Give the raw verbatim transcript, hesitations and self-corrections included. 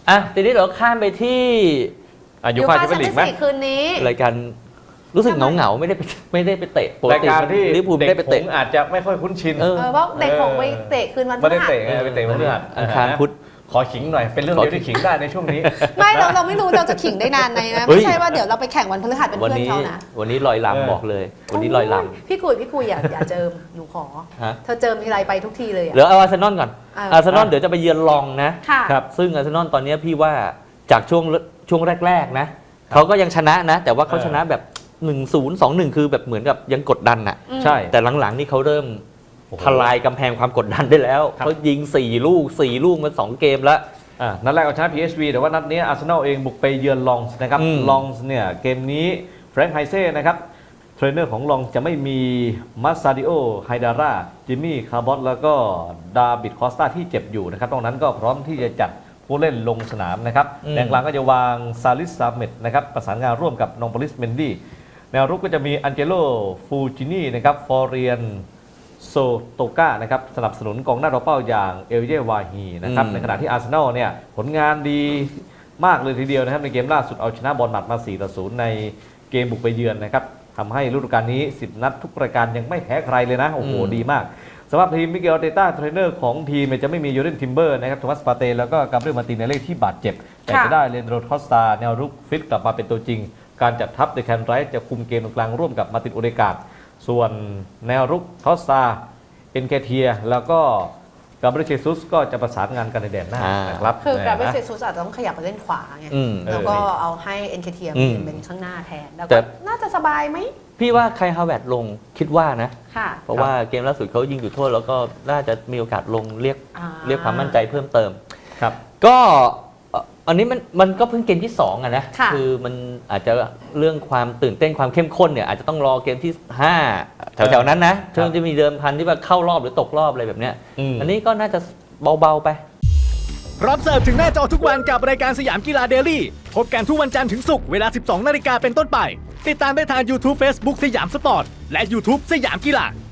อ่ะทีนี้เราข้ามไปที่ยูฟ่าแชมเปี้ยนลีกไหมคืนนี้รายการรู้สึกเหงาเหงาไม่ได้ไปไม่ได้ไปเตะรายการที่ลิเวอร์พูลไม่ได้ไปเตะอาจจะไม่ค่อยคุ้นชินเออเพราะเด็กของไปเตะคืนวันพฤหัสไม่ได้เตะไปเตะวันพฤหัสอังคารพุธขอขิงหน่อยเป็นเรื่องเดียวที่ขิงได้ในช่วงนี้ไม่เราเราไม่รู้เราจะขิงได้นานไหนนะไม่ใช่ว่าเดี๋ยวเราไปแข่งวันพฤหัสเป็นเพื่อนเขานะวันนี้ลอยลำบอกเลยวันนี้ลอยลำพี่กุยพี่กุยอย่าอย่าเจิมหนูขอเธอเจิมทีไรไปทุกทีเลยเหลือเอาอาร์เซนอลก่อนอาร์เซนอลเดี๋ยวจะไปเยือนลองนะครับซึ่งอาร์เซนอลตอนนี้พี่ว่าจากช่วงช่วงแรกๆนะเขาก็ยังชนะนะแต่ว่าเขาชนะแบบหนึ่งศูนย์ สองหนึ่งคือแบบเหมือนกับยังกดดันอ่ะใช่แต่หลังๆนี่เขาเริ่มทลายกำแพงความกดดันได้แล้วเขายิงสี่ลูกสี่ลูกมาสองเกมแล้วนัดแรกเอาชนะ พี เอส วี แต่ว่านัดนี้อาร์เซนอลเองบุกไปเยือนลองส์นะครับลองส์เนี่ยเกมนี้แฟรงค์ไฮเซ่นะครับเทรนเนอร์ของลองส์จะไม่มีมาซาดิโอไฮดาร่าจิมมี่คาร์บอสแล้วก็ดาบิดคอสตาที่เจ็บอยู่นะครับตรงนั้นก็พร้อมที่จะจัดผู้เล่นลงสนามนะครับแดงกลางก็จะวางซาลิสซาเมตนะครับประสานงานร่วมกับนองโปลิสเมนดี้แนวรุกก็จะมีอันเจโลฟูจินีนะครับฟอร์เรียนโซโตกานะครับสนับสนุนกองหน้าตัวเป้าอย่างเอลเยวาฮีนะครับในขณะที่อาร์เซนอลเนี่ยผลงานดีมากเลยทีเดียวนะครับในเกมล่าสุดเอาชนะบอลหมัดมา สี่ต่อศูนย์ ในเกมบุกไปเยือนนะครับทำให้ฤดูกาลนี้สิบนัดทุกรายการยังไม่แพ้ใครเลยนะโอ้โหดีมากสำหรับทีมมิเกลอาร์เตต้าเทรนเนอร์ของทีมจะไม่มียูเรนทิมเบอร์นะครับโทมัสปาเต้แล้วก็กาเบรียลมาร์ติเนเล่ที่บาดเจ็บแต่จะได้เลนโดคอสตาแนวรุกฟิตกลับมาเป็นตัวจริงการจัดทัพในแคนไรท์จะคุมเกมตรงกลางร่วมกับมาตินโอเดกาดส่วนแนวรุกคอสตาเอ็นเคเทียแล้วก็กาเบรียลเชซุสก็จะประสานงานกันในแดนหน้านะครับคือกาเบรียลเชซุสอาจจะต้องขยับไปเล่นขวาไงแล้วก็เอาให้เอ็นเคเทียเป็นข้างหน้าแทนแล้วก็น่าจะสบายไหมพี่ว่าใครฮาวเวิร์ดลงคิดว่านะเพราะว่าเกมล่าสุดเขายิงจุดโทษแล้วก็น่าจะมีโอกาสลงเรียกเรียกความมั่นใจเพิ่มเติมครับก็อันนี้มันมันก็เพิ่งเกมที่สองอะนะคือมันอาจจะเรื่องความตื่นเต้นความเข้มข้นเนี่ยอาจจะต้องรอเกมที่ห้าแถวๆนั้นนะช่วงจะมีเดิมพันที่ว่าเข้ารอบหรือตกรอบอะไรแบบเนี้ยอันนี้ก็น่าจะเบาๆไปพร้อมเสิร์ฟถึงหน้าจอทุกวันกับรายการสยามกีฬาเดลี่พบกันทุกวันจันทร์ถึงศุกร์เวลา สิบสองนาฬิกาเป็นต้นไปติดตามได้ทาง YouTube Facebook สยามสปอร์ตและ YouTube สยามกีฬา